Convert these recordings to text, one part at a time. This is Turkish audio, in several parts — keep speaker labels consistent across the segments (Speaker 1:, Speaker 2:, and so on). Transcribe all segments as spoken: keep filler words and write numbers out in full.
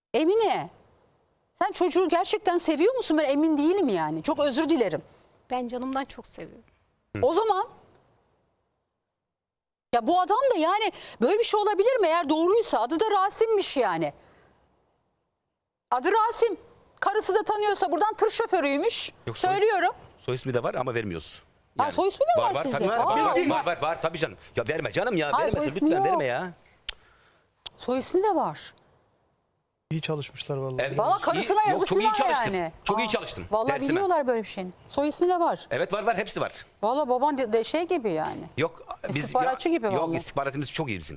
Speaker 1: Emine, sen çocuğu gerçekten seviyor musun? Ben emin değilim yani. Çok özür dilerim.
Speaker 2: Ben canımdan çok seviyorum.
Speaker 1: O zaman ya bu adam da yani böyle bir şey olabilir mi? Eğer doğruysa adı da Rasim'miş yani. Adı Rasim. Karısı da tanıyorsa buradan tır şoförüymüş.
Speaker 3: Yok, soy-
Speaker 1: Söylüyorum.
Speaker 3: Soy ismi de var ama vermiyoruz.
Speaker 1: Ha, soy ismi de var sizde.
Speaker 3: Tabii,
Speaker 1: Aa,
Speaker 3: var, var,
Speaker 1: olmaz.
Speaker 3: var, var, var, tabii canım. Ya verme canım ya.
Speaker 1: Hayır, soy
Speaker 3: Vermesin
Speaker 1: ismi
Speaker 3: lütfen,
Speaker 1: yok.
Speaker 3: verme ya.
Speaker 1: Soy ismi de var.
Speaker 4: İyi çalışmışlar vallahi.
Speaker 3: Evet.
Speaker 1: Valla
Speaker 3: İyi-
Speaker 1: karısına
Speaker 3: yok,
Speaker 1: yazık
Speaker 3: çok iyi
Speaker 1: günah
Speaker 3: çalıştım.
Speaker 1: yani.
Speaker 3: Çok iyi
Speaker 1: Aa,
Speaker 3: çalıştım.
Speaker 1: Vallahi
Speaker 3: Dersime.
Speaker 1: biliyorlar böyle bir şeyin. Soy ismi de var.
Speaker 3: Evet var var hepsi var.
Speaker 1: Valla baban de, de şey gibi yani.
Speaker 3: Yok biz
Speaker 1: İstihbaratçı gibi
Speaker 3: Yok
Speaker 1: vallahi.
Speaker 3: istihbaratımız çok iyi bizim.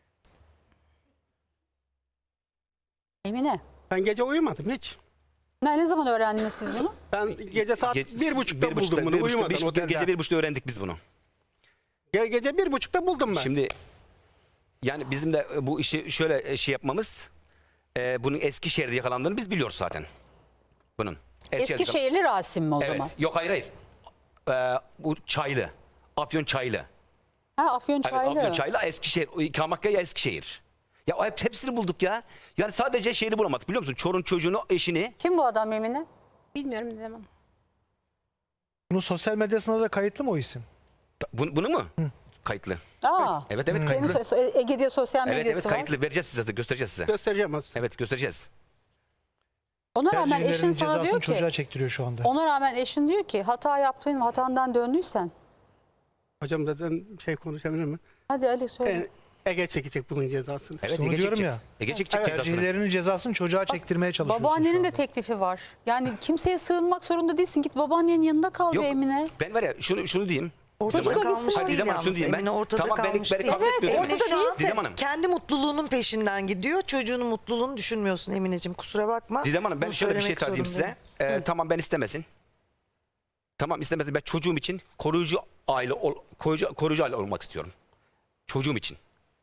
Speaker 1: Emine.
Speaker 5: Ben gece uyumadım hiç.
Speaker 1: Ne, ne zaman öğrendiniz siz bunu?
Speaker 5: Ben gece saat
Speaker 3: Ge-
Speaker 5: bir buçukta
Speaker 3: bir
Speaker 5: buldum bunu
Speaker 3: bir buçukta-
Speaker 5: uyumadan
Speaker 3: bir-
Speaker 5: otelde.
Speaker 3: Gece bir buçukta öğrendik biz bunu.
Speaker 5: Ge- Gece bir buçukta buldum ben.
Speaker 3: Şimdi yani bizim de bu işi şöyle şey yapmamız, e, bunun Eskişehir'de yakalandığını biz biliyoruz zaten. Bunun. Eskişehir'de-
Speaker 1: Eskişehirli Rasim mi o
Speaker 3: Evet.
Speaker 1: zaman?
Speaker 3: Yok hayır hayır. Ee, bu Çaylı. Afyon Çaylı.
Speaker 1: Ha, Afyonçaylı.
Speaker 3: Evet, Afyon Çaylı, Eskişehir. İkamakya Eskişehir. Ya o hep, hepsini bulduk ya. Yani sadece şeyini bulamadık biliyor musun? Çorun çocuğunu, eşini.
Speaker 1: Kim bu adam Emine?
Speaker 2: Bilmiyorum ne demem.
Speaker 4: Bunun sosyal medyasında da kayıtlı mı o isim?
Speaker 3: Bunu, bunu mu? Kayıtlı.
Speaker 1: Aa.
Speaker 3: Evet evet
Speaker 1: Senin
Speaker 3: kayıtlı.
Speaker 1: so- so- Ege diye sosyal
Speaker 3: Evet
Speaker 1: medyası
Speaker 3: evet
Speaker 1: var.
Speaker 3: kayıtlı. Vereceğiz size de göstereceğiz size.
Speaker 5: Göstereceğim az.
Speaker 3: Evet göstereceğiz.
Speaker 1: Ona rağmen
Speaker 4: Tercihlerinin
Speaker 1: eşin sana
Speaker 4: cezasını
Speaker 1: diyor ki,
Speaker 4: çocuğa çektiriyor şu anda.
Speaker 1: ona rağmen eşin diyor ki hata yaptın, hatandan döndüysen.
Speaker 5: Hocam zaten şey konuşabilir mi?
Speaker 1: Hadi Ali söyle.
Speaker 5: E, Ege çekecek bunun cezasını.
Speaker 3: Evet
Speaker 4: Onu
Speaker 3: Ege
Speaker 4: diyorum
Speaker 3: çekecek.
Speaker 4: ya.
Speaker 3: Ege çekecek
Speaker 5: Evet.
Speaker 3: cezasını.
Speaker 4: Tercihlerinin cezasını çocuğa çektirmeye çalışıyorsun
Speaker 1: Babaannenin
Speaker 4: şu
Speaker 1: de
Speaker 4: anda.
Speaker 1: teklifi var. Yani kimseye sığınmak zorunda değilsin. Git babaannenin yanında kal
Speaker 3: Yok
Speaker 1: be Emine.
Speaker 3: ben var ya şunu, şunu diyeyim.
Speaker 1: Çocuk
Speaker 6: Ortada
Speaker 1: acısı
Speaker 6: kalmış
Speaker 1: var.
Speaker 3: Hadi
Speaker 6: değil
Speaker 3: Didem Hanım şunu
Speaker 6: yalnız.
Speaker 3: diyeyim ben.
Speaker 6: Emine ortada
Speaker 3: Tamam beni,
Speaker 6: kalmış
Speaker 3: beni
Speaker 6: değil.
Speaker 3: kabul
Speaker 1: Evet,
Speaker 3: etmiyorum.
Speaker 1: ortada
Speaker 6: Emine şu an
Speaker 1: değilsin.
Speaker 3: Didem Hanım.
Speaker 6: kendi mutluluğunun peşinden gidiyor. Çocuğunun mutluluğunu düşünmüyorsun Emineciğim. Kusura bakma.
Speaker 3: Didem Hanım ben
Speaker 6: Bunu
Speaker 3: şöyle bir şey
Speaker 6: söylemek
Speaker 3: söyleyeyim size.
Speaker 6: zorundayım.
Speaker 3: Ee, tamam ben istemesin. Tamam istemesin. Ben çocuğum için koruyucu aile ol, koruyucu, koruyucu aile olmak istiyorum. Çocuğum için.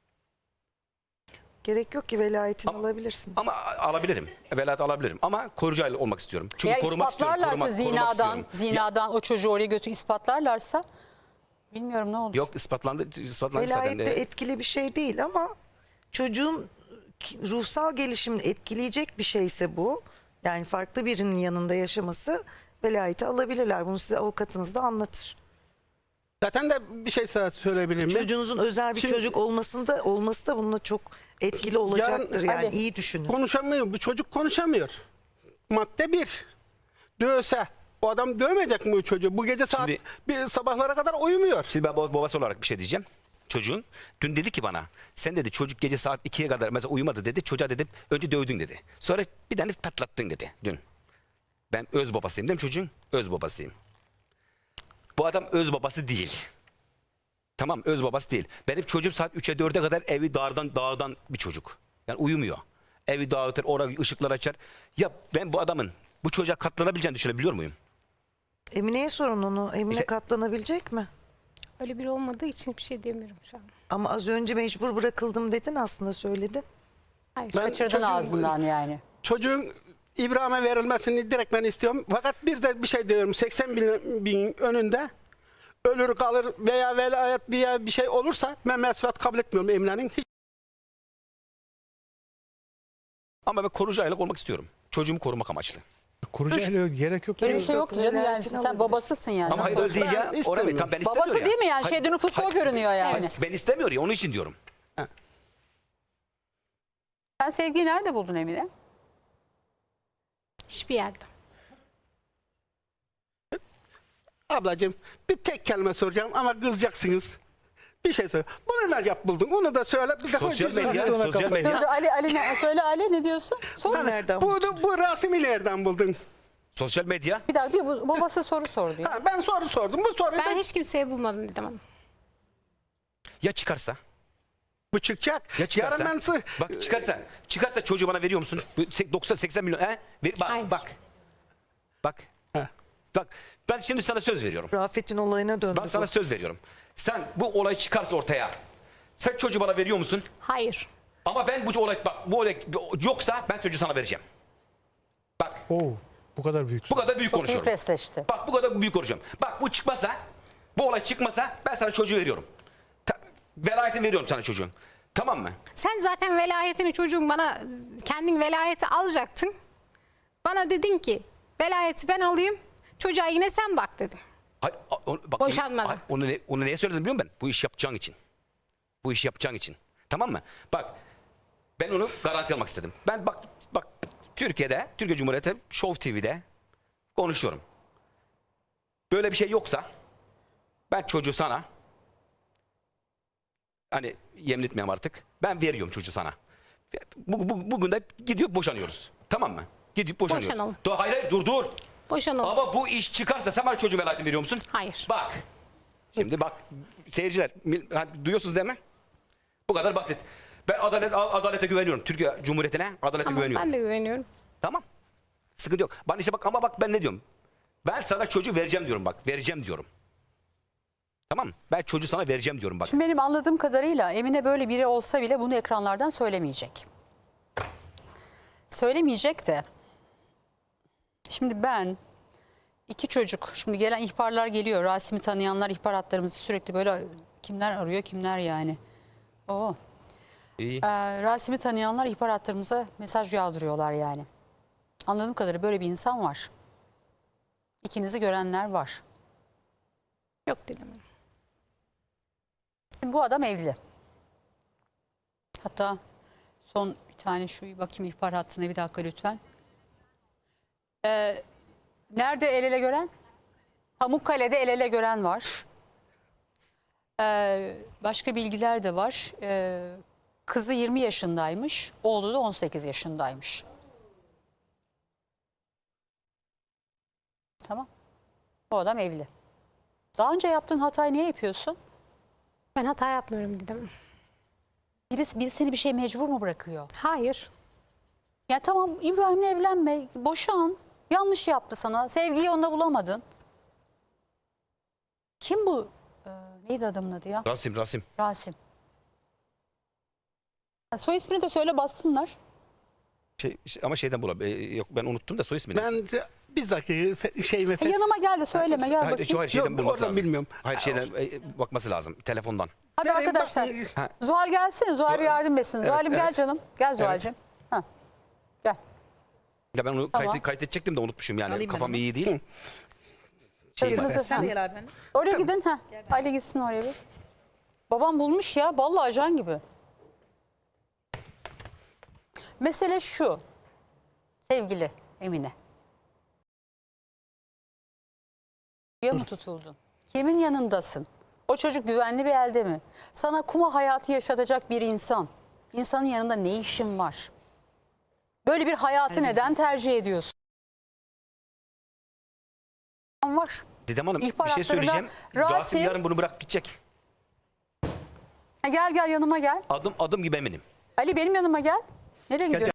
Speaker 6: Gerek yok ki velayetini
Speaker 3: Ama-
Speaker 6: alabilirsiniz.
Speaker 3: Ama alabilirim. Velayet alabilirim. Ama koruyucu aile olmak istiyorum. Çünkü
Speaker 1: Eğer
Speaker 3: korumak istiyorum.
Speaker 1: ispatlarlarsa
Speaker 3: Korumak, korumak
Speaker 1: zinadan,
Speaker 3: istiyorum.
Speaker 1: zinadan o çocuğu oraya götür ispatlarlarsa bilmiyorum ne olur.
Speaker 3: Yok ispatlandı. ispatlandı zaten.
Speaker 6: Velayet de
Speaker 3: Ee,
Speaker 6: etkili bir şey değil ama çocuğun ki- ruhsal gelişimini etkileyecek bir şeyse bu. Yani farklı birinin yanında yaşaması velayeti alabilirler. Bunu size avukatınız da anlatır.
Speaker 5: Zaten de bir şey sana söyleyebilir miyim?
Speaker 6: Çocuğunuzun özel bir
Speaker 5: Şimdi-
Speaker 6: çocuk olmasında olması da bununla çok etkili olacaktır. Yani
Speaker 1: Ali.
Speaker 6: iyi düşünün.
Speaker 5: Konuşamıyor. Bu çocuk konuşamıyor. Madde bir. Dövse. O adam dövmeyecek mi bu çocuğu? Bu gece saat
Speaker 3: Şimdi-
Speaker 5: bir sabahlara kadar uyumuyor.
Speaker 3: Şimdi ben bab- babası olarak bir şey diyeceğim. Çocuğun dün dedi ki bana sen dedi çocuk gece saat ikiye kadar mesela uyumadı dedi. Çocuğa dedi önce dövdün dedi. Sonra bir tane patlattın dedi dün. Ben öz babasıyım değil mi çocuğun? Öz babasıyım. Bu adam öz babası değil. Tamam öz babası değil. Benim çocuğum saat üçe dörde kadar evi dağdan dağdan bir çocuk. Yani uyumuyor. Evi dağıtır, oraya ışıklar açar. Ya ben bu adamın bu çocuğa katlanabileceğini düşünebiliyor muyum?
Speaker 6: Emine'ye sorun onu. Emine
Speaker 3: İşte-
Speaker 6: katlanabilecek mi?
Speaker 2: Öyle biri olmadığı için bir şey demiyorum şu an.
Speaker 6: Ama az önce mecbur bırakıldım dedin aslında söyledin.
Speaker 2: Hayır.
Speaker 5: Ben-
Speaker 1: Kaçırdın
Speaker 5: çocuğun-
Speaker 1: ağzından yani.
Speaker 5: Çocuğun İbrahim'e verilmesini direkt ben istiyorum. Fakat bir de bir şey diyorum. seksen bin, bin önünde ölür kalır veya velayet veya bir şey olursa ben mesulat kabul etmiyorum Emine'nin. Hiç
Speaker 3: Ama ben koruyucu aylık olmak istiyorum. Çocuğumu korumak amaçlı.
Speaker 4: Kurucu ele yok, gerek yok.
Speaker 1: Böyle
Speaker 4: ya.
Speaker 1: bir şey yok ki canım yani.
Speaker 6: Velayetini
Speaker 1: Sen
Speaker 6: alabilirsin.
Speaker 1: babasısın yani.
Speaker 3: Ama hayır
Speaker 1: Nasıl
Speaker 3: öyle değil ya.
Speaker 5: Ben
Speaker 3: Oraya
Speaker 5: istemiyorum.
Speaker 3: tam ben istemiyor
Speaker 1: Babası
Speaker 3: ya.
Speaker 1: değil mi yani?
Speaker 3: Hayır,
Speaker 1: Şeyde nüfusta o
Speaker 3: hayır,
Speaker 1: görünüyor yani.
Speaker 3: hayır, ben istemiyor ya onun için diyorum.
Speaker 1: Sen sevgiyi nerede buldun Emine?
Speaker 2: Hiçbir yerde.
Speaker 5: Ablacığım bir tek kelime soracağım ama kızacaksınız. Bir şey söyle. Bunu nerede yap buldun? Onu da söyle. Bir de
Speaker 3: Sosyal
Speaker 5: hocam-
Speaker 3: medya,
Speaker 4: ona
Speaker 3: sosyal
Speaker 4: kafayı.
Speaker 1: Dur, dur,
Speaker 3: medya.
Speaker 1: Ali, Ali ne, söyle Ali ne diyorsun? Sor.
Speaker 5: Hani
Speaker 6: Nereden
Speaker 5: bu, bu Rasim'i nereden buldun?
Speaker 3: Sosyal medya.
Speaker 1: Bir dakika bir bu- babası soru sordu. ya.
Speaker 5: Ha, ben soru sordum. Bu soruyu
Speaker 2: Ben
Speaker 5: da
Speaker 2: hiç kimseye bulmadım dedim hanım.
Speaker 3: Ya çıkarsa?
Speaker 5: bu çıkacak.
Speaker 3: Ya çıkarsa?
Speaker 5: Yarın ben sı-
Speaker 3: Bak çıkarsa. Çıkarsa çocuğu bana veriyor musun? Bu sek- doksan seksen milyon. He? Ver, bak,
Speaker 2: Hayır.
Speaker 3: bak. Bak.
Speaker 5: He.
Speaker 3: Bak. Ben şimdi sana söz veriyorum.
Speaker 6: Rafet'in olayına döndü.
Speaker 3: Ben sana
Speaker 6: bu.
Speaker 3: söz veriyorum. Sen bu olay çıkarsa ortaya. Sen çocuğu bana veriyor musun?
Speaker 2: Hayır.
Speaker 3: Ama ben bu olay bak bu olay yoksa ben çocuğu sana vereceğim. Bak.
Speaker 4: Oo, bu kadar büyük.
Speaker 3: Bu kadar büyük
Speaker 1: Çok iyi
Speaker 3: konuşuyorum.
Speaker 1: presleşti.
Speaker 3: Bak bu kadar büyük konuşuyorum. Bak bu çıkmasa, bu olay çıkmasa ben sana çocuğu veriyorum. Ta, velayetini veriyorum sana çocuğun. Tamam mı?
Speaker 2: Sen zaten velayetini çocuğun bana kendin velayeti alacaktın. Bana dedin ki velayeti ben alayım. Çocuğa yine sen bak dedim.
Speaker 3: Hayır, a- onu, bak,
Speaker 2: Boşanmadan.
Speaker 3: Hayır, onu, ne, onu neye söyledim biliyor musun ben? Bu iş yapacağın için. Bu işi yapacağın için. Tamam mı? Bak ben onu garanti almak istedim. Ben bak bak Türkiye'de, Türkiye Cumhuriyeti Show T V'de konuşuyorum. Böyle bir şey yoksa ben çocuğu sana hani yemin etmeyeyim artık. Ben veriyorum çocuğu sana. Bu, bu, bugün de gidiyor boşanıyoruz. Tamam mı? Gidip boşanıyoruz.
Speaker 2: Boşanalım.
Speaker 3: Dur, hayır hayır dur dur.
Speaker 2: Boşanalım.
Speaker 3: Ama bu iş çıkarsa sen bana çocuğun velayetini veriyor musun?
Speaker 2: Hayır.
Speaker 3: Bak. Şimdi bak seyirciler mil- ha, duyuyorsunuz değil mi? Bu kadar basit. Ben adalet adalete güveniyorum. Türkiye Cumhuriyeti'ne adalete
Speaker 2: Tamam,
Speaker 3: güveniyorum.
Speaker 2: ben de güveniyorum.
Speaker 3: Tamam. Sıkıntı yok. Bana işte bak ama bak ben ne diyorum? Ben sana çocuğu vereceğim diyorum bak. Vereceğim diyorum. Tamam mı? Ben çocuğu sana vereceğim diyorum bak.
Speaker 1: Şimdi benim anladığım kadarıyla Emine böyle biri olsa bile bunu ekranlardan söylemeyecek. Söylemeyecek de. Şimdi ben iki çocuk, şimdi gelen ihbarlar geliyor. Rasim'i tanıyanlar ihbar hatlarımızı sürekli böyle kimler arıyor kimler yani. Oo.
Speaker 3: İyi.
Speaker 1: Ee, Rasim'i tanıyanlar ihbar hatlarımıza mesaj yağdırıyorlar yani. Anladığım kadarıyla böyle bir insan var. İkinizi görenler var.
Speaker 2: Yok dedim.
Speaker 1: Şimdi bu adam evli. Hatta son bir tane şu bakayım ihbar hattına bir dakika lütfen. Ee, nerede el ele gören? Pamukkale'de el ele gören var. Ee, başka bilgiler de var. Ee, kızı yirmi yaşındaymış, oğlu da on sekiz yaşındaymış. Tamam. Bu adam evli. Daha önce yaptığın hatayı niye yapıyorsun?
Speaker 2: Ben hata yapmıyorum dedim.
Speaker 1: Birisi, biri seni bir şey mecbur mu bırakıyor?
Speaker 2: Hayır.
Speaker 1: Ya tamam İbrahim'le evlenme, boşan. Yanlış yaptı sana. Sevgiyi onda bulamadın. Kim bu? Ee, neydi adamın adı ya?
Speaker 3: Rasim Rasim.
Speaker 1: Rasim. Ha, soy ismini de söyle bassınlar.
Speaker 3: Şey, şey- ama şeyden bulam. e, yok ben unuttum da soy ismini.
Speaker 5: Ben de- bizzat şey ve
Speaker 1: Ha, yanıma gel de söyleme gel
Speaker 3: Hayır,
Speaker 1: bakayım.
Speaker 3: hayır, şeyden
Speaker 5: Yok,
Speaker 3: bulması
Speaker 5: oradan
Speaker 3: lazım.
Speaker 5: bilmiyorum.
Speaker 3: Hayır şeyden e, bakması lazım telefondan.
Speaker 1: Hadi
Speaker 5: Vereyim,
Speaker 1: arkadaşlar.
Speaker 5: bak-
Speaker 3: Ha.
Speaker 1: Zuhal gelsene. Zuhal bir yardım etsin. Zuhal'im gel
Speaker 3: evet.
Speaker 1: canım. Gel Zuhal'cim. Ha. Gel.
Speaker 3: Ya ben onu
Speaker 1: Tamam.
Speaker 3: kayıt, kaydedecektim de unutmuşum yani.
Speaker 7: Alayım ben
Speaker 3: Kafam
Speaker 7: onu.
Speaker 3: iyi değil. Şey,
Speaker 1: Kızınızı-
Speaker 7: Sen
Speaker 1: ha.
Speaker 7: de gel abi. benimle.
Speaker 1: Oraya gidin. Ha. Ali gitsin oraya bir. Babam bulmuş ya. Vallahi ajan gibi. Mesele şu. Sevgili Emine. Ya mı tutuldun? Kimin yanındasın? O çocuk güvenli bir elde mi? Sana kuma hayatı yaşatacak bir insan. İnsanın yanında ne işin var? Böyle bir hayatı neden tercih ediyorsun? Var.
Speaker 3: Didem Hanım
Speaker 1: İhbar
Speaker 3: bir şey
Speaker 1: hatlarında
Speaker 3: söyleyeceğim.
Speaker 1: Rasim-
Speaker 3: Rasim yarın bunu bırakıp gidecek.
Speaker 1: Ha, gel gel yanıma gel.
Speaker 3: Adım adım gibi eminim.
Speaker 1: Ali benim yanıma gel. Nereye gidiyorsun?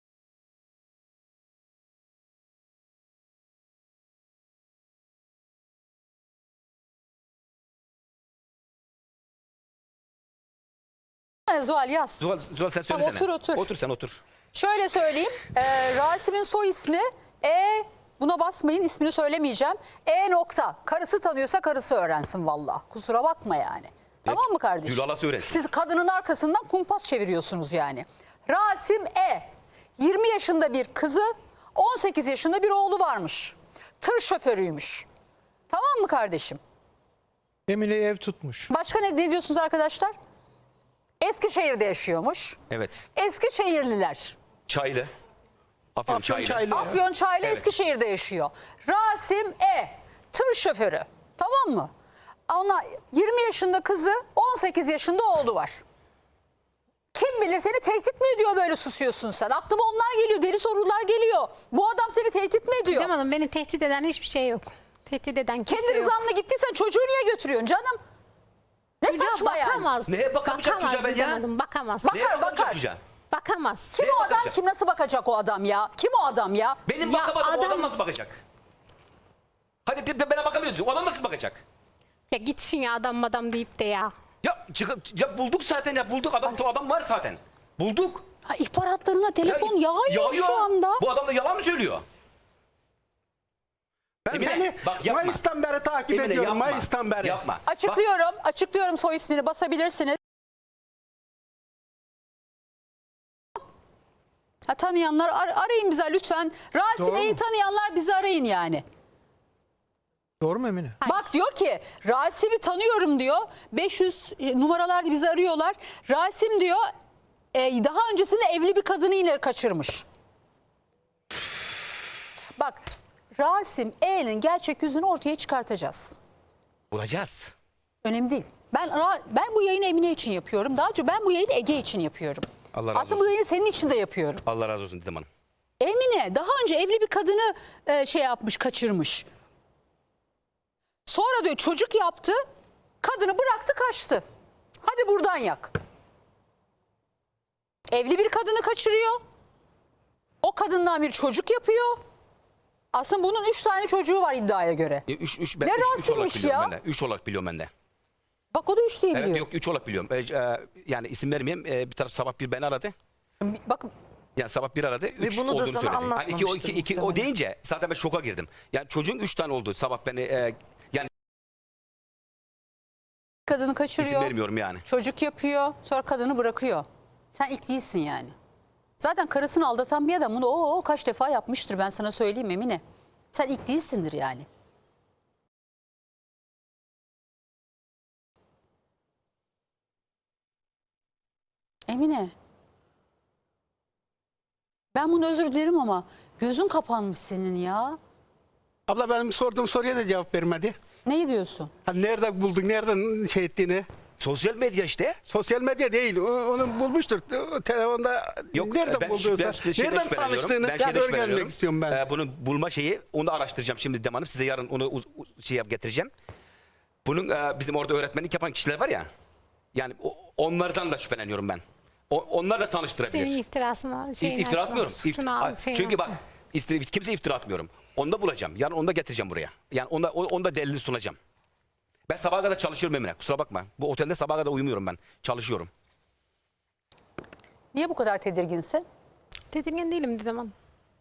Speaker 1: Zuhal yaz.
Speaker 3: Zuhal, Zuhal sen
Speaker 1: Tamam,
Speaker 3: söylesene.
Speaker 1: otur, otur.
Speaker 3: Otur sen otur.
Speaker 1: Şöyle söyleyeyim. E, Rasim'in soy ismi E, buna basmayın ismini söylemeyeceğim. E nokta. Karısı tanıyorsa karısı öğrensin valla. Kusura bakma yani. Tamam mı kardeşim?
Speaker 3: Gül Alas öğrensin.
Speaker 1: Siz kadının arkasından kumpas çeviriyorsunuz yani. Rasim E. yirmi yaşında bir kızı, on sekiz yaşında bir oğlu varmış. Tır şoförüymüş. Tamam mı kardeşim?
Speaker 4: Emine'yi ev tutmuş.
Speaker 1: Başka ne, ne diyorsunuz arkadaşlar? Eskişehir'de yaşıyormuş.
Speaker 3: Evet.
Speaker 1: Eskişehirliler.
Speaker 3: Çaylı. Afyon,
Speaker 5: Afyon
Speaker 3: Çaylı.
Speaker 5: Çaylı.
Speaker 1: Afyonçaylı
Speaker 3: Evet.
Speaker 1: Eskişehir'de yaşıyor. Rasim E. Tır şoförü. Tamam mı? Ona yirmi yaşında kızı, on sekiz yaşında oğlu var. Kim bilir seni tehdit mi ediyor böyle susuyorsun sen? Aklıma onlar geliyor, deli sorular geliyor. Bu adam seni tehdit mi ediyor?
Speaker 2: Didem Hanım beni tehdit eden hiçbir şey yok. Tehdit eden kimse
Speaker 1: Kendi
Speaker 2: yok.
Speaker 1: rızanla gittiysen çocuğu niye götürüyorsun canım? Ne
Speaker 2: Çocuğa
Speaker 1: saçma yani?
Speaker 2: bakamaz.
Speaker 3: Neye bakamayacak
Speaker 2: Bakamaz
Speaker 3: çocuğa ben
Speaker 2: Didem
Speaker 3: ya?
Speaker 2: Hanım, bakamaz.
Speaker 1: Bak-
Speaker 3: Neye
Speaker 1: Bakar,
Speaker 3: bakamayacak
Speaker 1: bakar.
Speaker 3: çocuğa?
Speaker 2: Bakamaz.
Speaker 1: Kim
Speaker 3: Neye
Speaker 1: o adam?
Speaker 3: bakacak?
Speaker 1: Kim nasıl bakacak o adam ya? Kim o adam ya?
Speaker 3: Benim
Speaker 2: Ya
Speaker 3: bakamadım o
Speaker 2: adam-
Speaker 3: adam nasıl bakacak? Hadi de, de bana bakamıyorsun. O adam nasıl bakacak?
Speaker 2: Ya git işin ya adam madam deyip de ya.
Speaker 3: Ya, çık- ya bulduk zaten ya bulduk adam adam var zaten. Bulduk.
Speaker 1: Ha, ihbar hatlarına telefon
Speaker 3: Ya,
Speaker 1: yağıyor şu anda.
Speaker 3: Bu adam da yalan mı söylüyor?
Speaker 5: Ben
Speaker 3: Emine,
Speaker 5: seni
Speaker 3: bak yapma.
Speaker 5: Mayıs'tan beri takip
Speaker 3: Emine,
Speaker 5: ediyorum.
Speaker 3: yapma.
Speaker 5: Mayıs'tan beri.
Speaker 3: Yapma. Bak,
Speaker 1: Açıklıyorum, açıklıyorum soy ismini basabilirsiniz. Ha, tanıyanlar ar- arayın bize lütfen. Rasim
Speaker 4: Doğru
Speaker 1: E'yi
Speaker 4: mu?
Speaker 1: tanıyanlar bizi arayın yani.
Speaker 4: Doğru mu Emine?
Speaker 1: Bak diyor ki Rasim'i tanıyorum diyor. beş yüz numaralar bizi arıyorlar. Rasim diyor e, daha öncesinde evli bir kadını yine kaçırmış. Bak Rasim E'nin gerçek yüzünü ortaya çıkartacağız.
Speaker 3: Bulacağız.
Speaker 1: Önemli değil. Ben Ra- ben bu yayını Emine için yapıyorum. Daha çok ben bu yayını Ege için yapıyorum.
Speaker 3: Allah razı
Speaker 1: Aslında
Speaker 3: olsun.
Speaker 1: bu yayını senin için de yapıyorum.
Speaker 3: Allah razı olsun Didem Hanım.
Speaker 1: Emine daha önce evli bir kadını e, şey yapmış, kaçırmış. Sonra diyor çocuk yaptı, kadını bıraktı kaçtı. Hadi buradan yak. Evli bir kadını kaçırıyor. O kadından bir çocuk yapıyor. Aslında bunun üç tane çocuğu var iddiaya göre.
Speaker 3: E, Üç, üç, ben
Speaker 1: Ne
Speaker 3: üç, üç olarak
Speaker 1: Rasim'miş
Speaker 3: biliyorum
Speaker 1: ya?
Speaker 3: ben de. Üç olarak biliyorum ben de.
Speaker 1: Bak o da üç diye
Speaker 3: Evet
Speaker 1: biliyor.
Speaker 3: yok üç olarak biliyorum. E, e, yani isim vermeyeyim. E, bir taraf sabah bir beni aradı.
Speaker 1: Bak
Speaker 3: Yani sabah bir aradı. Üç
Speaker 6: bunu da
Speaker 3: olduğunu
Speaker 6: sana
Speaker 3: söyledi. Hani iki, o, iki,
Speaker 6: anlatmamıştır
Speaker 3: iki, o
Speaker 6: muhtemelen.
Speaker 3: deyince zaten ben şoka girdim. Yani çocuğun üç tane oldu sabah beni e, yani
Speaker 1: kadını
Speaker 3: isim
Speaker 1: kaçırıyor.
Speaker 3: vermiyorum yani.
Speaker 1: Çocuk yapıyor, sonra kadını bırakıyor. Sen ilk değilsin yani. Zaten karısını aldatan bir adam bunu o, o kaç defa yapmıştır ben sana söyleyeyim Emine. Sen ilk değilsindir yani. Emine. Ben bunu özür dilerim ama gözün kapanmış senin ya.
Speaker 5: Abla benim sorduğum soruya da cevap vermedi.
Speaker 1: Ne diyorsun?
Speaker 5: Ha, nerede buldun, nereden şey ettiğini.
Speaker 3: Sosyal medya işte.
Speaker 5: Sosyal medya değil. o- Onu bulmuştur. O telefonda
Speaker 3: Yok
Speaker 5: nereden
Speaker 3: ben,
Speaker 5: bulduysa.
Speaker 3: ben şeyden
Speaker 5: nereden
Speaker 3: şüpheleniyorum.
Speaker 5: tanıştığını
Speaker 3: Ben
Speaker 5: ben
Speaker 3: şeyden
Speaker 5: öğrenmek
Speaker 3: şüpheleniyorum.
Speaker 5: istiyorum ben.
Speaker 3: Ee, bunu bulma şeyi onu araştıracağım şimdi Didem Hanım. Size yarın onu uz- uz- şey yap getireceğim. Bunun e, bizim orada öğretmenlik yapan kişiler var ya. Yani o- onlardan da şüpheleniyorum ben. O, onlar da tanıştırabilir.
Speaker 2: Senin iftirasına şeyini
Speaker 3: İftira
Speaker 2: açma,
Speaker 3: atmıyorum.
Speaker 2: suçunu
Speaker 3: İft-
Speaker 2: al, şeyini
Speaker 3: Çünkü bak
Speaker 2: atma.
Speaker 3: istir- kimse iftira atmıyorum. Onu da bulacağım. Yarın onu da getireceğim buraya. Yani onda, o- onu da delilini sunacağım. Ben sabaha kadar çalışıyorum Emine. Kusura bakma. Bu otelde sabaha kadar uyumuyorum ben. Çalışıyorum.
Speaker 1: Niye bu kadar tedirginsin?
Speaker 2: Tedirgin değilim Didem Hanım.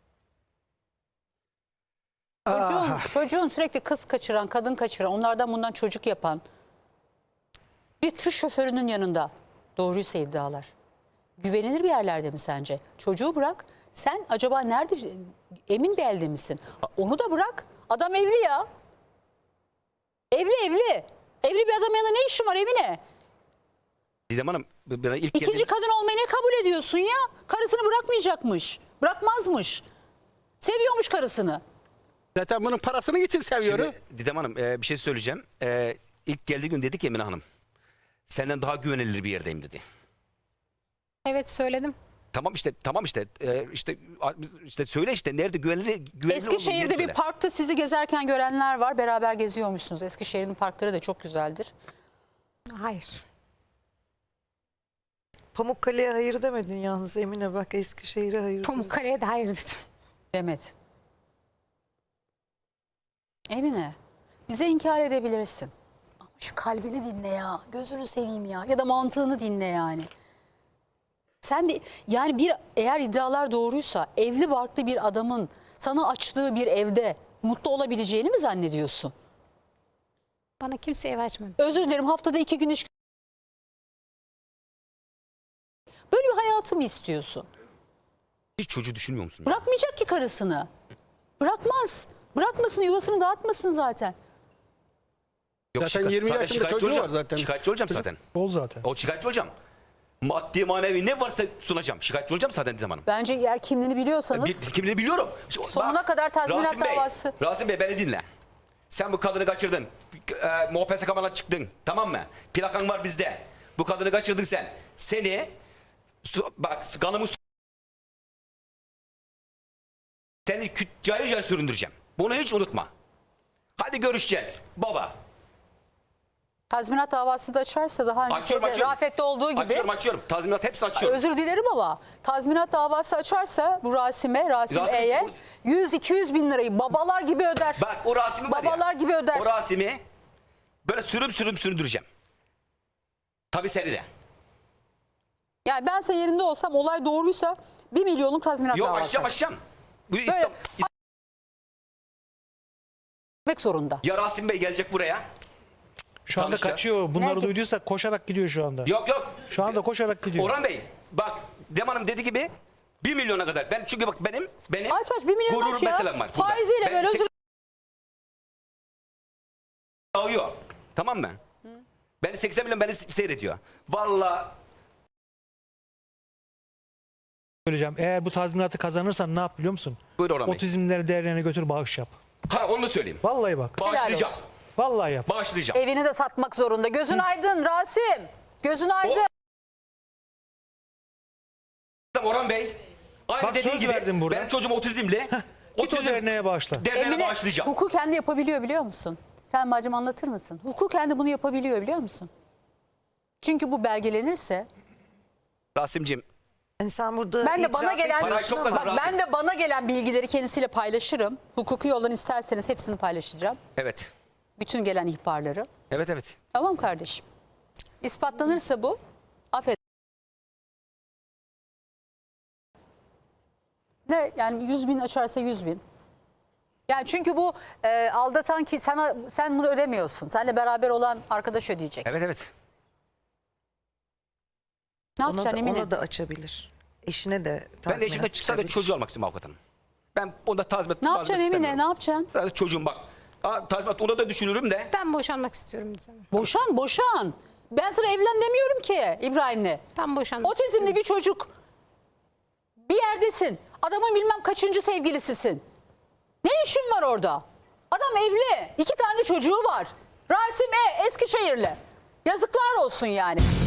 Speaker 1: Çocuğun, çocuğun sürekli kız kaçıran, kadın kaçıran, onlardan bundan çocuk yapan bir tır şoförünün yanında doğruysa iddialar. Güvenilir bir yerlerde mi sence? Çocuğu bırak. Sen acaba nerede, emin bir elde misin? Onu da bırak. Adam evli ya. Evli evli. Evli bir adamın yanında ne işin var Emine?
Speaker 3: Didem Hanım bana ilk
Speaker 1: İkinci
Speaker 3: geldiğiniz-
Speaker 1: kadın olmayı ne kabul ediyorsun ya? Karısını bırakmayacakmış. Bırakmazmış. Seviyormuş karısını.
Speaker 5: Zaten bunun parasını için seviyorum.
Speaker 3: Şimdi Didem Hanım e, bir şey söyleyeceğim. E, ilk geldiği gün dedi ki Emine Hanım. Senden daha güvenilir bir yerdeyim dedi.
Speaker 2: Evet söyledim.
Speaker 3: Tamam işte tamam işte e, işte a- işte söyle işte nerede güvenilir güvenilir olduğu yeri
Speaker 1: Eskişehir'de bir
Speaker 3: söyle.
Speaker 1: parkta sizi gezerken görenler var. Beraber geziyormuşsunuz. Eskişehir'in parkları da çok güzeldir.
Speaker 2: Hayır.
Speaker 6: Pamukkale'ye hayır demedin yalnız Emine, bak Eskişehir'e hayır diyorsun.
Speaker 2: Pamukkale'ye de hayır dedim.
Speaker 1: Demet. Emine, bize inkar edebilirsin. Ama şu kalbini dinle ya. Gözünü seveyim ya. Ya da mantığını dinle yani. Sen de yani bir eğer iddialar doğruysa evli barklı bir adamın sana açtığı bir evde mutlu olabileceğini mi zannediyorsun?
Speaker 2: Bana kimse ev açmadı.
Speaker 1: Özür dilerim haftada iki gün iş. Böyle bir hayatı mı istiyorsun?
Speaker 3: Hiç çocuğu düşünmüyor musun?
Speaker 1: Bırakmayacak ki karısını. Bırakmaz. Bırakmasın, yuvasını dağıtmasın zaten.
Speaker 3: Yok,
Speaker 5: Zaten yirmi
Speaker 3: zaten
Speaker 5: yaşında
Speaker 3: şikayetçi
Speaker 5: çocuğu
Speaker 3: olacağım.
Speaker 5: var zaten.
Speaker 3: Şikayetçi olacağım zaten.
Speaker 4: Ol zaten.
Speaker 3: O şikayetçi olacağım. Maddi manevi ne varsa sunacağım. Şikayetçi olacağım zaten Didem Hanım.
Speaker 1: Bence eğer kimliğini biliyorsanız
Speaker 3: Bir, kimliğini biliyorum.
Speaker 1: Sonuna kadar tazminat
Speaker 3: Rasim Bey,
Speaker 1: davası.
Speaker 3: Rasim Bey beni dinle. Sen bu kadını kaçırdın. E, M O P S K'dan çıktın. Tamam mı? Plakan var bizde. Bu kadını kaçırdın sen. Seni su- bak kanımı su- seni kü- cayır cayır süründüreceğim. Bunu hiç unutma. Hadi görüşeceğiz baba.
Speaker 1: tazminat davası da açarsa daha önce
Speaker 3: Açıyorum,
Speaker 1: şeyde,
Speaker 3: açıyorum.
Speaker 1: Rafet'te olduğu gibi.
Speaker 3: Açıyorum açıyorum. Tazminat hepsini açıyorum.
Speaker 1: Özür dilerim ama tazminat davası açarsa bu Rasim'e, Rasim,
Speaker 3: Rasim-
Speaker 1: E'ye yüz iki yüz bin lirayı babalar gibi öder.
Speaker 3: Bak o Rasim'i var ya.
Speaker 1: Babalar gibi öder.
Speaker 3: O Rasim'i böyle sürüm sürüm süründüreceğim. Tabii seni de.
Speaker 1: Yani ben senin yerinde olsam olay doğruysa bir milyonluk tazminat
Speaker 3: Yok
Speaker 1: davası
Speaker 3: açacağım açacağım. Bu İslam,
Speaker 1: açmak zorunda.
Speaker 3: ya Rasim Bey gelecek buraya.
Speaker 4: Şu anda
Speaker 3: Tanışacağız.
Speaker 4: kaçıyor. Bunları
Speaker 1: Nerede?
Speaker 4: duyduysa koşarak gidiyor şu anda.
Speaker 3: Yok yok.
Speaker 4: Şu anda koşarak gidiyor.
Speaker 3: Orhan Bey bak Dem Hanım dediği gibi Bir milyona kadar. Ben çünkü bak benim benim
Speaker 1: Aç aç bir milyon
Speaker 3: gurur
Speaker 1: aç ya.
Speaker 3: meselem var. burada.
Speaker 1: Faiziyle
Speaker 3: Ben
Speaker 1: böyle özür
Speaker 3: Ağıyor. Tamam mı? Beni seksen milyon beni seyrediyor. Vallahi
Speaker 4: Söyleyeceğim. Eğer bu tazminatı kazanırsan ne yap biliyor musun?
Speaker 3: buyur Orhan Bey.
Speaker 4: Otizmleri değerlerine götür bağış yap.
Speaker 3: Ha onu da söyleyeyim.
Speaker 4: Vallahi bak.
Speaker 3: Bağışlayacağım.
Speaker 1: olsun.
Speaker 4: Vallahi yap.
Speaker 3: Bağışlayacağım.
Speaker 1: Evini de satmak zorunda. Gözün aydın Rasim. Gözün aydın.
Speaker 3: Orhan Bey. Aynı
Speaker 4: Bak
Speaker 3: dediğin
Speaker 4: söz
Speaker 3: gibi
Speaker 4: verdim burada.
Speaker 3: benim çocuğum otizmli.
Speaker 4: Git o
Speaker 3: Otizm
Speaker 4: derneğe bağışla.
Speaker 3: derneğine
Speaker 1: Emine
Speaker 3: bağışlayacağım.
Speaker 1: hukuken de yapabiliyor biliyor musun? Sen bacım anlatır mısın? Hukuken de bunu yapabiliyor biliyor musun? Çünkü bu belgelenirse
Speaker 3: Rasim'ciğim
Speaker 6: Yani sen burada
Speaker 1: ben de
Speaker 6: itiraf
Speaker 1: bana gelen
Speaker 3: Parayı çok kazan,
Speaker 1: bak,
Speaker 3: Rasim.
Speaker 1: ben de bana gelen bilgileri kendisiyle paylaşırım. Hukuki yoldan isterseniz hepsini paylaşacağım.
Speaker 3: evet.
Speaker 1: Bütün gelen ihbarları.
Speaker 3: Evet evet.
Speaker 1: Tamam kardeşim. İspatlanırsa bu affet. Ne yani yüz bin açarsa yüz bin. Yani çünkü bu e, aldatan ki sana sen bunu ödemiyorsun. Seninle beraber olan arkadaş ödeyecek.
Speaker 3: Evet evet.
Speaker 1: Ne
Speaker 6: ona
Speaker 1: yapacaksın
Speaker 6: da,
Speaker 1: Emine?
Speaker 6: ona da açabilir. Eşine de
Speaker 3: Ben
Speaker 6: tazminat
Speaker 3: de eşimle sadece
Speaker 6: çıkabilir.
Speaker 3: çocuğu almak istiyorum avukatım. Ben onda tazminat
Speaker 1: Ne yapacaksın
Speaker 3: tazminat
Speaker 1: Emine? Ne
Speaker 3: istemiyorum.
Speaker 1: yapacaksın?
Speaker 3: Sadece çocuğum bak. Aa, tazminat ona da düşünürüm de.
Speaker 2: Ben boşanmak istiyorum Didem Hanım.
Speaker 1: Boşan, boşan. Ben sana evlen demiyorum ki İbrahim'le.
Speaker 2: Ben boşanmak
Speaker 1: Otizmli
Speaker 2: istiyorum.
Speaker 1: bir çocuk. Bir yerdesin. Adamın bilmem kaçıncı sevgilisisin. Ne işin var orada? Adam evli. İki tane çocuğu var. Rasim E. Eskişehirli. Yazıklar olsun yani.